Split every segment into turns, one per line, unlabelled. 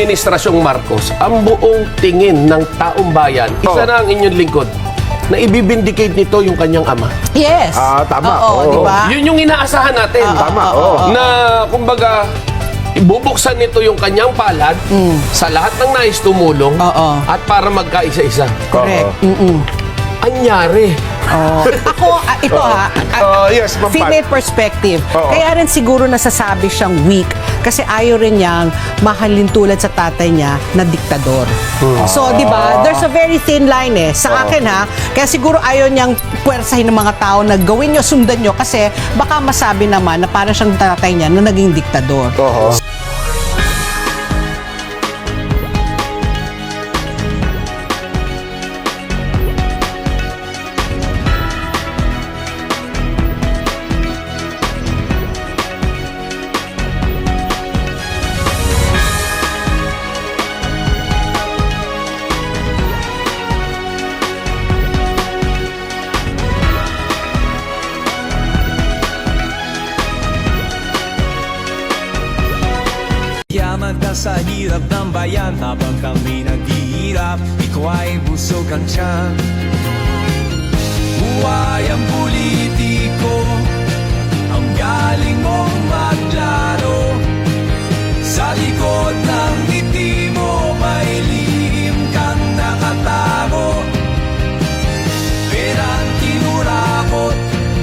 Administrasyong Marcos, ang buong tingin ng taong bayan, isa na ang inyong lingkod, na ibibindicate nito yung kanyang ama.
Yes.
Tama.
Oo, di ba?
Yun yung inaasahan natin.
Tama,
Na, kumbaga, ibubuksan nito yung kanyang palad sa lahat ng nais tumulong at para magkaisa-isa.
Correct.
Anyari.
Ako, ito
yes, Ma'am Pat.
female perspective.
Oo.
Kaya rin siguro nasasabi siyang weak kasi ayaw rin niyang mahalin tulad sa tatay niya na diktador. So, di ba? There's a very thin line sa akin kaya siguro ayaw niyang puwersahin ng mga tao na gawin niyo, sundan niyo kasi baka masabi naman na parang siyang tatay niya na naging diktador.
Yaman ka sa hirap ng bayan habang kami naghihirap, ikaw ay busog ang tiyan. Buhay ang politiko, ang galing mong maglaro. Sa likod ng ngiti mo, may lihim kang nakatago. Perang kinurakot,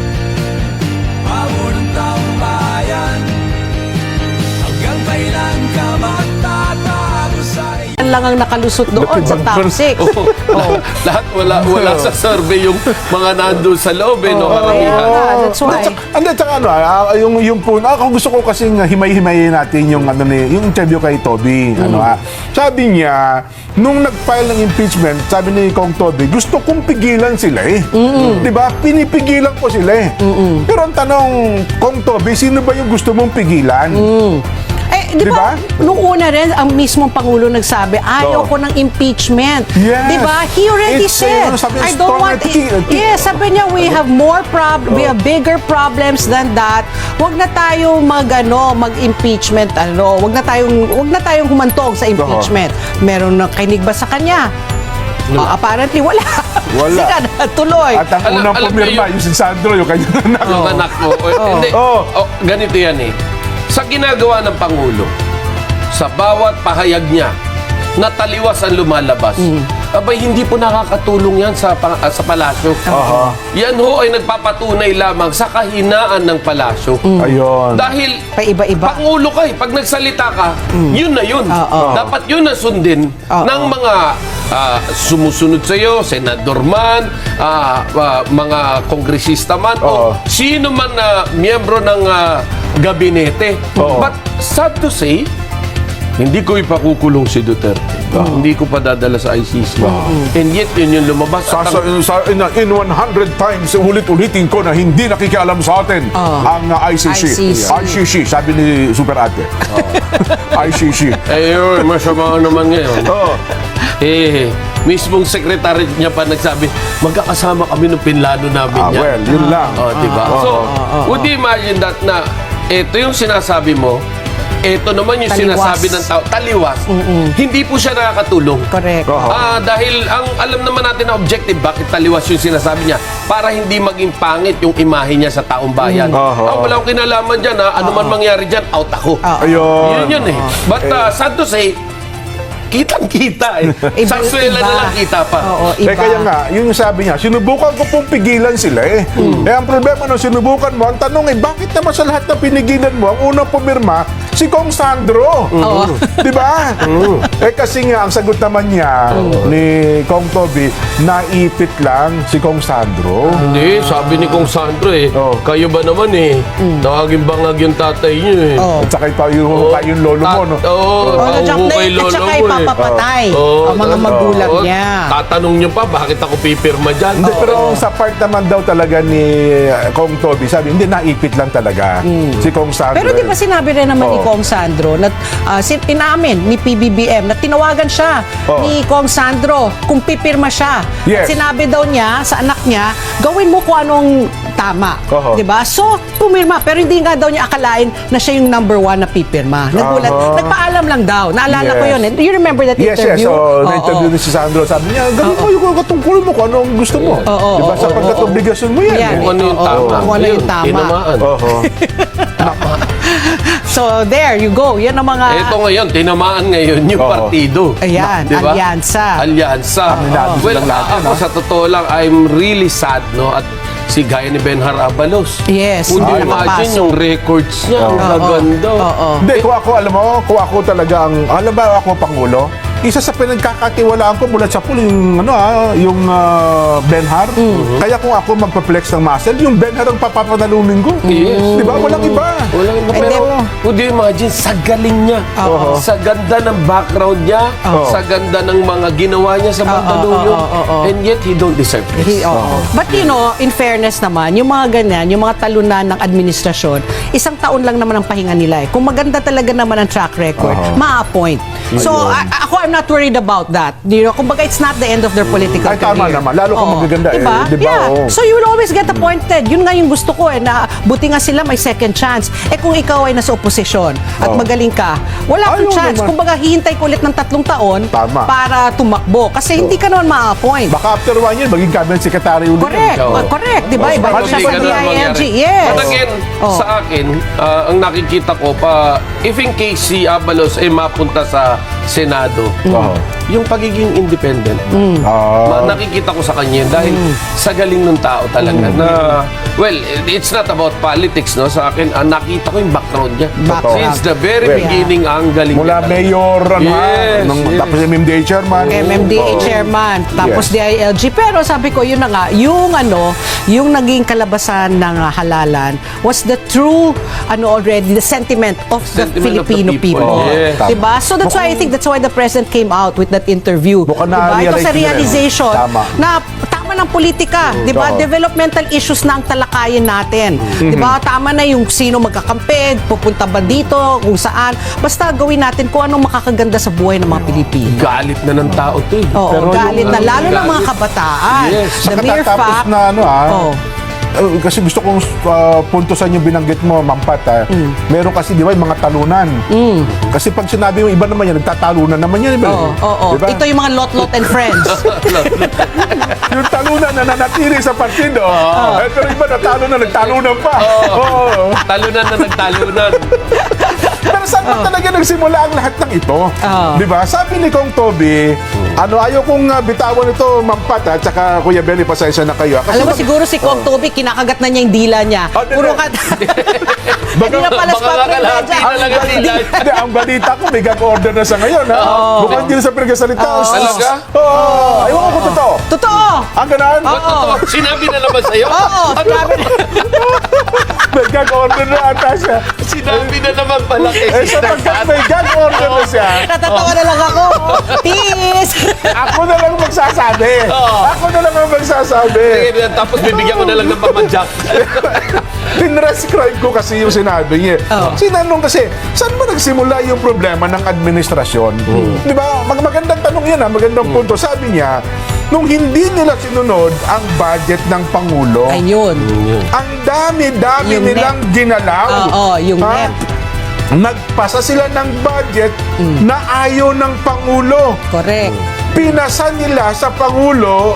pamor ng taong bayan. Hanggang kailan ka magtatago sa
Yan lang ang nakalusot doon sa top 6.
Lahat wala sa survey yung mga nandun sa loob, no? Karamihan.
That's why.
Tsaka yung po, ako gusto ko kasing himay-himayin natin yung yung interview kay Toby. Sabi niya, nung nag-file ng impeachment, sabi ni Kong Toby, gusto kong pigilan sila Di ba? Pinipigilan ko sila Pero ang tanong, Kong Toby, sino ba yung gusto mong pigilan?
Di ba? Nung una rin, ang mismong Pangulo nagsabi, ayaw ko ng impeachment.
Yes.
Di ba? He already
It's,
said,
sabi,
I don't want Yes, sabi niya, we have we have bigger problems than that. Huwag na tayong mag-impeachment, Huwag na tayong humantong sa impeachment. Meron na kinig ba sa kanya? Apparently, wala. Sige na, tuloy.
At ang unang pumirma, yung si Sandro, yung kanyang anak.
Yung anak mo. Hindi. Ganito yan Sa ginagawa ng Pangulo, sa bawat pahayag niya, na taliwas ang lumalabas, abay, hindi po nakakatulong yan sa palasyo. Yan ho ay nagpapatunay lamang sa kahinaan ng palasyo.
Ayun.
Dahil
Paiba-iba.
Pangulo ka pag nagsalita ka, yun na yun. Dapat yun na sundin ng mga sumusunod sa iyo, senador man, mga kongresista man, o sino man na miyembro ng gabinete. But sad to say, hindi ko ipakukulong si Duterte. Hindi ko pa dadala sa ICC. And yet, yun yung lumabas.
In 100 times, ulit-ulitin ko na hindi nakikialam sa atin ang ICC. ICC, sabi ni Super Ate. ICC.
Yun, masama naman ngayon. Mismong secretary niya pa nagsabi, magkakasama kami ng pinlano namin yan.
Well, yun lang.
Diba? So, would you imagine that na ito yung sinasabi mo, ito naman yung sinasabi ng tao, taliwas. Hindi po siya nakakatulong.
Correct.
Dahil ang alam naman natin na objective, bakit taliwas yung sinasabi niya? Para hindi maging pangit yung imahe niya sa taong bayan. Wala akong kinalaman dyan, ano man mangyari dyan, out ako.
Ayun.
Yun But sad to say, kitang-kita Sa swela na lang kita pa.
Kaya nga, yun yung sabi niya, sinubukan ko pong pigilan sila ang problema nung sinubukan mo, ang tanong bakit naman sa lahat na pinigilan mo, ang unang pumirma, si Kong Sandro. Di ba? Kasi nga, ang sagot naman niya ni Kong Toby, naipit lang si Kong Sandro.
Hindi, sabi ni Kong Sandro kayo ba naman naging bangag yung tatay niyo
At saka yung lolo mo, no?
Kay lolo mo
papatay ang mga magulang niya.
Tatanong niyo pa, bakit ako pipirma dyan?
Hindi, pero sa part naman daw talaga ni Kong Toby, sabi, hindi, naipit lang talaga si Kong Sandro.
Pero di ba sinabi rin naman ni Kong Sandro na inamin ni PBBM na tinawagan siya ni Kong Sandro kung pipirma siya.
Yes.
At sinabi daw niya sa anak niya, gawin mo kung anong tama.
Oho.
Diba? So, pumirma. Pero hindi nga daw niya akalain na siya yung number 1 na pipirma. Nagulat.
Oho.
Nagpaalam lang daw. Naalala ko
Yes.
yun. Do you remember that
Yes,
interview?
So,
Oo.
na-interview ni si Sandro. Sabi niya, gawin mo yung katungkulin mo kung ano ang gusto mo. Diba? Sapagkat obligasyon mo yan.
Yan.
Kung ano yung
Oo.
tama.
Kung ano yung
Yun,
tama.
tinamaan.
Oho.
So, there you go. Yan ang mga...
Ito ngayon, tinamaan ngayon yung
Oo.
partido.
Ayan,
Diba?
Alyansa.
Alyansa.
Aminado
Well,
silang lahat,
ako sa totoo lang, I'm really sad, no? At si gaya ni Benhar Abalos.
Yes.
Kung
Ay,
imagine
napasok.
yung records niya, ang
Oo.
gaganda.
Oo.
Hindi, kung ako, alam mo, kung ako talaga ang, alam ba ako Pangulo, isa sa pinagkakatiwalaan ko mula sa pool, yung, Benhar. Kaya kung ako magpa-flex ng muscle, yung Benhar ang papapanalunin ko.
Yes.
Di ba? Walang iba.
Walang iba.
And
Pero,
then-
would you imagine, sa galing niya,
Oo.
sa ganda ng background niya, sa ganda ng mga ginawa niya sa Mandaluyong,
oo.
and yet he don't deserve this.
But in fairness naman, yung mga ganyan, yung mga talunan ng administrasyon, isang taon lang naman ang pahinga nila eh. Kung maganda talaga naman ang track record, ma-appoint. So, ako, I'm not worried about that. You know, kumbaga, it's not the end of their political
Ay, tama
career.
naman. Lalo kung
Oo.
magaganda eh.
Diba?
Diba?
Yeah.
Oo.
So, you will always get appointed. Yun nga yung gusto ko eh, na buti nga sila may second chance. Eh, kung ikaw ay nasa oposisyon at magaling ka, wala kang
Ayaw
chance.
naman.
Kumbaga, hihintay ko ulit ng 3 taon
Tama.
para tumakbo. Kasi hindi ka naman ma-appoint.
Baka after 1 year, maging cabinet secretary ulit.
Correct.
Oo.
Correct. Di ba?
Oo.
Iba
Baka
siya
hindi
sa
ganun
DILG. Yes.
But again,
Oh.
sa akin, ang nakikita ko if in case si Abalos ay mapunta sa Senado,
Oo.
yung pagiging independent,
Ah.
nakikita ko sa kanya dahil sa galing ng tao talaga na, well, it's not about politics, no? Sa akin, nakita ko yung background niya.
Background.
Since the very
Well,
beginning, ang galing
Mula
niya talaga.
mayor,
Yes, yes.
tapos MMDA chairman.
MMDA
Oo.
chairman, tapos
Yes.
DILG. Pero sabi ko, yun na nga, yung naging kalabasan ng halalan was the true, already, the sentiment of the
Sentiment of the
Filipino
people.
people.
Yes.
Diba? So that's why I think that's why the president came out with that interview.
Mukhang
Diba? Ito
na-realize
sa
nila, no?
realization
Tama.
na tama ng politika, 'di ba?
Oo.
Developmental issues na ang talakayin natin. 'Di ba? Tama na yung sino magkakampi, pupunta ba dito, kung saan. Basta gawin natin kung anong makakaganda sa buhay ng mga Pilipino.
Galit na ng tao to eh.
Oo,
Pero
galit
yung-
na lalo ng mga
galit.
kabataan.
Yes.
The
Saka
mere
tapos
fact
na
Oh.
kasi gusto kong puntusan yung binanggit mo, Mampat. Meron kasi, di ba, yung mga talunan. Kasi pag sinabi mo, iba naman yan, nagtatalunan naman yan. Diba?
Oo.
Diba?
Ito yung mga lot-lot and friends.
Yung talunan na nanatili sa partido. Pero iba natalo na, nagtalunan pa. Oo.
Talunan na nagtalunan.
Pero saan ba talaga nagsimula ang lahat ng ito?
Oo.
Di ba? Sabi ni Kong Toby, ayaw kong bitawan ito, Mampat, at saka Kuya Benny, pasensya na kayo. Kasi
Alam mo, siguro si Kong Toby, kinakagat na niya yung dila niya.
Oh, di-
Puro ka... Hindi na pala
baka kalahati na lang ang dila.
Hindi, ang balita ko, may gag order na sa ngayon, ha? Mukhang hindi na sa pinagkasalita.
Talaga?
Oo. Ayaw ko totoo.
Totoo!
Ang ganon?
Totoo, sinabi na naman sa'yo?
Oo, sinabi na.
May gag order na ata siya.
Sinabi na naman pala kay
Eh,
Sister
sapagkat
Kat.
may gag order na siya,
Natatawa na lang ako. Peace!
ako na lang magsasabi. Ako na lang ang magsasabi.
Sige, tapos bibigyan ko na lang ng pamadyak.
Tinrescribe ko kasi yung sinabi niya. Sinanong kasi, saan ba nagsimula yung problema ng administrasyon? Di ba? Magandang tanong yan, magandang punto. Sabi niya, nung hindi nila sinunod ang budget ng Pangulo,
Ayun.
ang dami-dami
Yung
nilang ginalaw.
Oo, yung
Ha?
NEP.
Nagpasa sila ng budget na ayaw ng Pangulo.
Correct.
Ipinasa nila sa Pangulo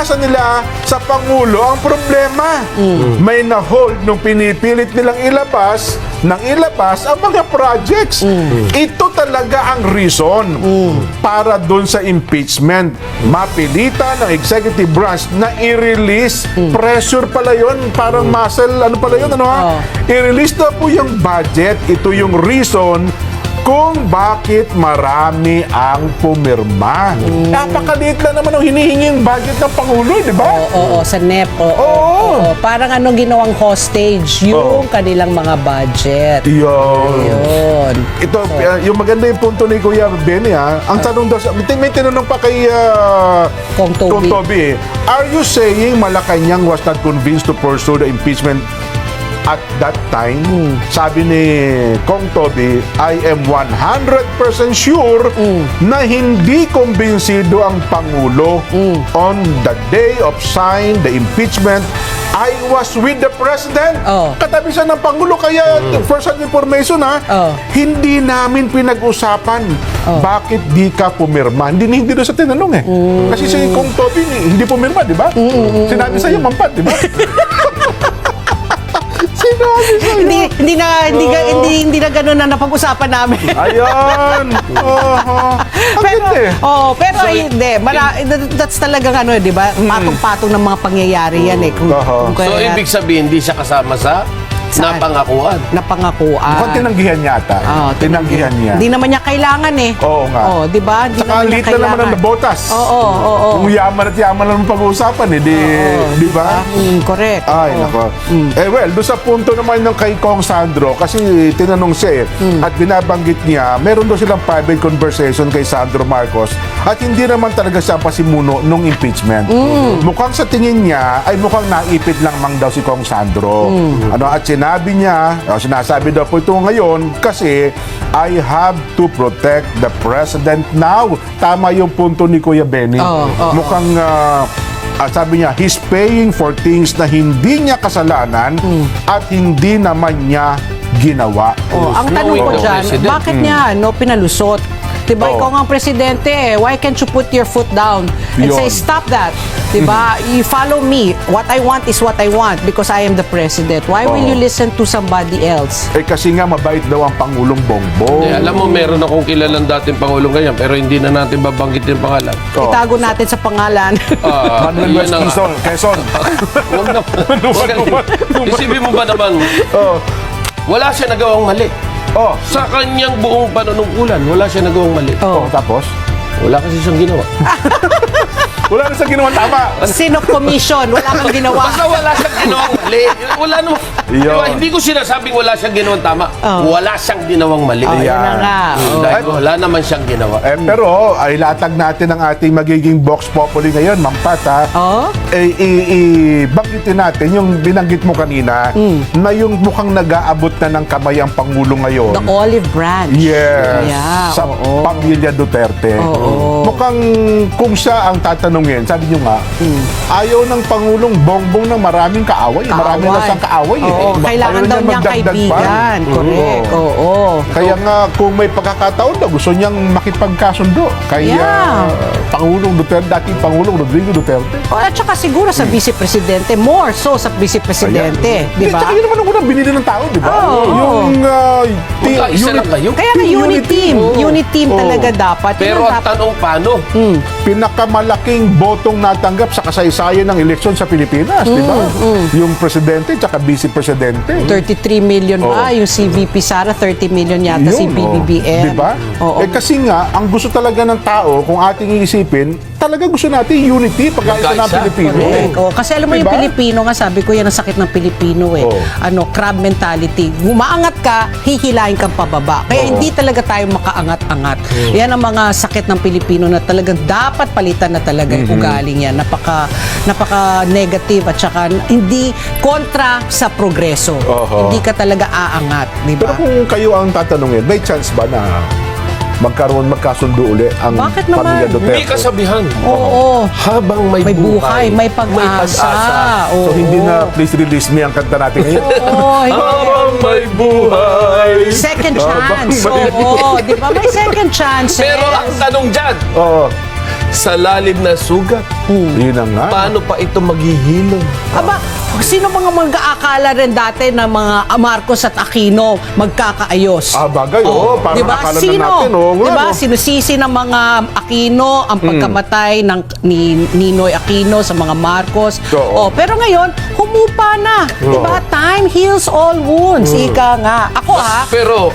ang problema. May na-hold nung pinipilit nilang ilabas ang mga projects. Ito talaga ang reason para doon sa impeachment. Mapilitan ng executive branch na i-release. Pressure pala yun, parang muscle, ano pala yun, I-release na po yung budget. Ito yung reason kung bakit marami ang pumirma. Napakaliit lang naman ang hinihinging budget ng Pangulo, di ba?
Oo, sa NEP. Oo. Parang ginawang hostage yung kanilang mga budget. Yun.
Ito, yung maganda yung punto ni Kuya Benny, ang tanong daw, may tinanong pa kay
Kong Toby.
are you saying Malacanang was not convinced to pursue the impeachment at that time? Sabi ni Kong Toby, I am 100% sure na hindi kumbinsido ang Pangulo on the day of sign the impeachment I was with the President.
Oh.
Katabi siya ng Pangulo. Kaya, first hand information
Oh.
hindi namin pinag-usapan bakit di ka pumirma. Hindi doon sa tinanong eh. Kasi si Kong Toby hindi pumirma, di ba? Sinabi sa'yo, Mampat, di ba? Sinabi sa'yo.
Hindi na gano'n na napag-usapan namin.
Ayun. Ang
pero,
ganda eh.
pero hindi. That's talagang di ba? Patong-patong ng mga pangyayari yan eh.
Oo.
So, ibig sabihin, hindi siya kasama sa
Saan?
napangakuan.
Napangakuan.
Mukhang tinanggihan yata. Tinanggihan niya.
Hindi naman niya kailangan eh.
Oo nga.
Di ba? Hindi
Saka
naman niya
lit na naman ang
kailangan.
nabotas.
Oo.
Kung yaman at yaman lang ang pag-uusapan di ba?
Correct.
Ay,
Oo.
nako. Well, doon sa punto naman ng kay Kong Sandro, kasi tinanong siya at binabanggit niya, meron daw silang private conversation kay Sandro Marcos at hindi naman talaga siya pasimuno nung impeachment. Mukhang sa tingin niya, ay mukhang naipit lang mang daw si Kong Sandro. At sinabi niya, sinasabi daw po ito ngayon, kasi I have to protect the President now. Tama yung punto ni Kuya Benny. Mukhang sabi niya, he's paying for things na hindi niya kasalanan at hindi naman niya ginawa.
Ang tanong ko
Knowing the
dyan,
president.
bakit niya pinalusot? Diba, ikaw nga ang presidente why can't you put your foot down and
Yun.
say, stop that? Diba, you follow me. What I want is what I want because I am the president. Why will you listen to somebody else?
Kasi nga mabait daw ang Pangulong Bongbong.
Alam mo, meron akong kilalang dating Pangulong ganyan, pero hindi na natin babanggit yung pangalan.
Itago natin sa pangalan.
Manuel
Yun ang-
Quezon. Quezon.
Huwag na. Isipin mo ba naman, wala siya nagawang mali. Sa kanyang buong panunungkulan, wala siya nagawang mali.
Tapos?
Wala kasi siyang ginawa.
Wala na sa ginawang tama.
Sino commission? Wala kang ginawa.
Basta wala siyang ginawang mali. Wala naman.
Yun.
Diba, hindi ko sinasabing wala siyang ginawang tama. Wala siyang ginawang mali.
Yun na nga.
Dahil wala naman siyang ginawa.
Pero ay latag natin ang ating magiging Vox Populi ngayon, Ma'am Pat, ha? Banggitin natin yung binanggit mo kanina na yung mukhang nag-aabot na ng kamay ang Pangulo ngayon.
The olive branch.
Yes.
Yeah,
Sa pamilya Duterte. Mukhang kung siya ang tatanungin, sabi niyo nga, ayaw ng Pangulong Bongbong ng maraming kaaway. Marami na siyang kaaway.
Kailangan
Ayaw
daw
niya
niyang
magdagdag pa.
kaibigan. Correct. Oo.
Kaya nga, kung may pagkakataon daw, gusto niyang makipagkasundo kay Pangulong Duterte, dating Pangulong Rodrigo Duterte.
At saka siguro sa vice-presidente, more so sa vice-presidente. Di ba?
Tsaka yun naman ang unang binili ng tao, di ba? Yung
Magkaisa lang kayo.
Kaya nga unit team. Unit team talaga dapat. Yun
Pero
ang
ang
dapat.
tanong paano?
pinakamalaking botong natanggap sa kasaysayan ng eleksyon sa Pilipinas, di ba? Yung presidente tsaka vice-presidente.
33 million ba? Yung CVP Sara, 30 million yata si BBBM.
Di ba?
Oo.
Kasi nga, ang gusto talaga ng tao, kung ating iisipin, talaga gusto natin unity, pagkaisa ng
Magkaisa.
Pilipino.
Correct. Oh, kasi alam mo yung
Diba?
Pilipino nga, sabi ko yan ang sakit ng Pilipino eh. Crab mentality. Umaangat ka, hihilahin kang pababa. Kaya hindi talaga tayo makaangat-angat. Yan ang mga sakit ng Pilipino na talagang dapat palitan na talaga yung ugaling yan. Napaka negative at saka hindi kontra sa progreso. Hindi ka talaga aangat, di
Pero
ba?
kung kayo ang tatanungin, may chance ba na magkasundo uli ang
Bakit naman?
pamilya Duterte?
May kasabihan.
Oo.
Habang may
May buhay, may pag-asa. Oo.
So hindi na please release me ang kanta natin ngayon.
Oo, hindi.
Habang may buhay.
Second chance.
Habang may-
Oo, di ba? May second chance.
Pero ang tanong dyan,
Oo.
sa lalim na sugat,
Yun na nga.
paano pa ito maghihilom?
Aba, sino mga mag-aakala rin dati na mga Marcos at Aquino magkakaayos?
Bagay, parang
Diba?
akala na
Sino?
natin, nga,
Diba?
no?
Sinusisi ng mga Aquino ang pagkamatay ni Ninoy Aquino sa mga Marcos.
Oo.
Pero ngayon, humupa na. Diba? Time heals all wounds. Ika nga. Ako
Pero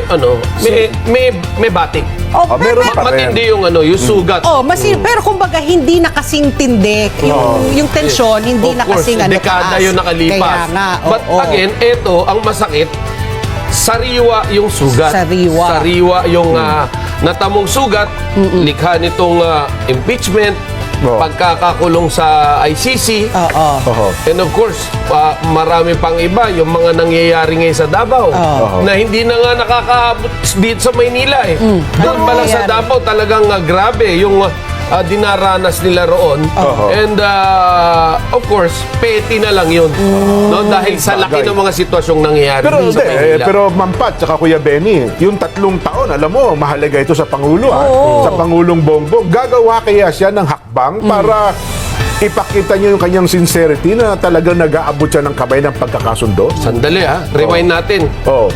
may batik.
meron pa rin.
Matindi yung yung sugat.
pero kumbaga hindi na kasing tindi yung tensyon, hindi
Of
na
course,
kasing
dekada
taas.
yung nakalipas.
Kaya nga,
But again, ito, ang masakit, sariwa yung sugat.
Sariwa.
Yung natamong sugat, likha nitong impeachment, pagkakakulong sa ICC, and of course, marami pang iba, yung mga nangyayari ngayon sa Davao, na hindi na nga nakakaabot dito sa Maynila eh. Doon pa lang sa
nangyayari?
Davao, talagang grabe, yung dinaranas nila roon. And of course, petty na lang yun. No? Dahil sa laki
Bagay.
ng mga sitwasyong nangyayari
Pero,
dito sa Maynila.
pero Ma'am Pat, tsaka Kuya Benny, yung 3 taon, alam mo, mahalaga ito sa Pangulo. Sa Pangulong Bongbong. Gagawa kaya siya ng hakbang para ipakita niyo yung kanyang sincerity na talagang nag-aabot siya ng kamay ng pagkakasundo?
Sandali rewind natin.
Oo.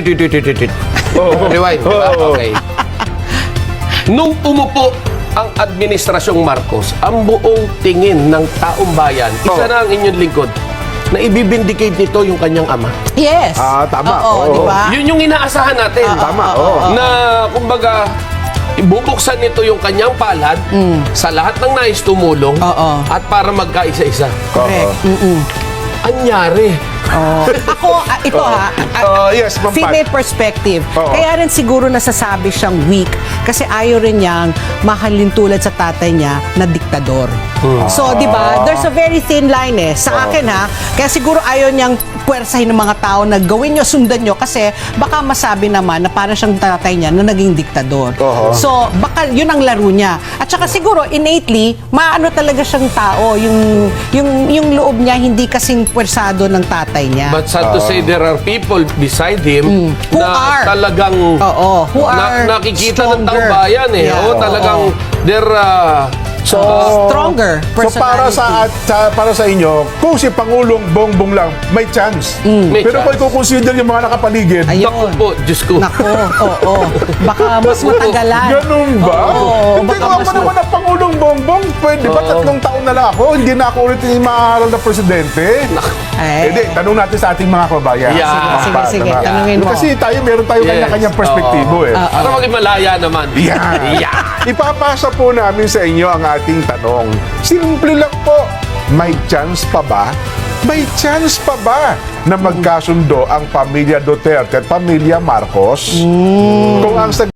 Rewind, di ba?
Oo.
Okay. Nung umupo ang Administrasyong Marcos, ang buong tingin ng taong bayan, isa na ang inyong lingkod, na ibibindicate nito yung kanyang ama.
Yes.
Tama.
Oo,
Oo.
di ba?
Yun yung inaasahan natin.
Tama, oo.
Na, kumbaga, ibubuksan nito yung kanyang palad sa lahat ng nais tumulong
Oo.
at para magkaisa-isa.
Correct.
Anyari.
Ito
Yes, Ma'am Pat.
female perspective.
Oo.
Kaya rin siguro nasasabi siyang weak kasi ayaw rin niyang mahalin tulad sa tatay niya na diktador. So, di ba? There's a very thin line Sa akin kaya siguro ayaw niyang puwersahin ng mga tao na gawin niyo, sundan niyo kasi baka masabi naman na parang siyang tatay niya na naging diktador. So, baka yun ang laro niya. At saka siguro innately, maano talaga siyang tao, yung loob niya hindi kasing puwersado ng tatay niya.
But sad to say, there are people beside him
Who
na
are.
talagang
Who are
nakikita ng taong
stronger.
bayan
Yeah.
Talagang they're
Stronger
So para para sa inyo, kung si Pangulong Bongbong lang, may chance.
May
Pero
chance.
kung i-consider yung mga nakapaligid,
Ayun.
naku po, Diyos ko.
Nako, oo. Baka mas matagalan.
ganun ba?
Oo,
Hindi
baka
ko
mas
ako naman ang Pangulong Bongbong. Pwede ba 3 taon na lang ako? Hindi na ako ulit yung maaral na presidente. Hindi, tanong natin sa ating mga kababayan.
Yeah.
Sige, tanungin mo.
Kasi meron tayo kanya-kanyang perspektibo
Para maging malaya naman.
Yan.
Yeah.
Ipapasa po namin sa inyo ang ating tanong. Simple lang po. May chance pa ba? May chance pa ba na magkasundo ang pamilya Duterte at pamilya Marcos? Kung ang sagot